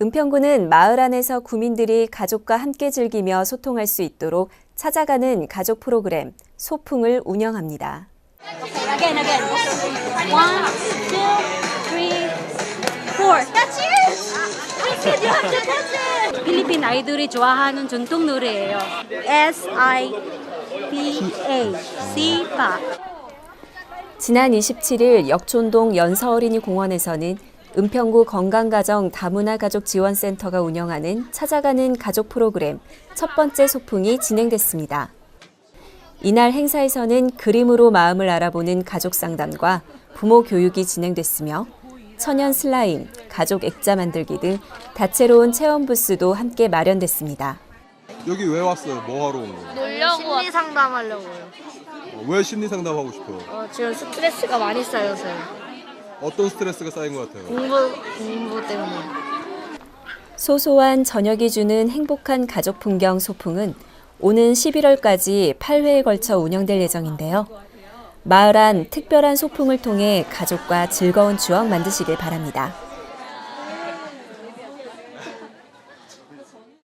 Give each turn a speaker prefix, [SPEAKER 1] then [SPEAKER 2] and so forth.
[SPEAKER 1] 은평구는 마을 안에서 구민들이 가족과 함께 즐기며 소통할 수 있도록 찾아가는 가족 프로그램 소풍을 운영합니다.
[SPEAKER 2] Again. 1, 2, 3, 4. That's it! I said you have to touch it! 필리핀 아이들이 좋아하는 전통 노래예요. S-I-P-A, 시파.
[SPEAKER 1] 지난 27일 역촌동 연서어린이 공원에서는 은평구 건강가정 다문화가족지원센터가 운영하는 찾아가는 가족 프로그램 첫 번째 소풍이 진행됐습니다. 이날 행사에서는 그림으로 마음을 알아보는 가족 상담과 부모 교육이 진행됐으며 천연 슬라임, 가족 액자 만들기 등 다채로운 체험 부스도 함께 마련됐습니다.
[SPEAKER 3] 여기 왜 왔어요? 뭐 하러 온 거예요?
[SPEAKER 4] 놀려고
[SPEAKER 5] 심리 상담하려고요.
[SPEAKER 3] 왜 심리 상담하고 싶어요?
[SPEAKER 5] 지금 스트레스가 많이 쌓여서요.
[SPEAKER 3] 어떤 스트레스가 쌓인 것 같아요?
[SPEAKER 5] 공부 때문에.
[SPEAKER 1] 소소한 저녁이 주는 행복한 가족 풍경 소풍은 오는 11월까지 8회에 걸쳐 운영될 예정인데요. 마을 안 특별한 소풍을 통해 가족과 즐거운 추억 만드시길 바랍니다.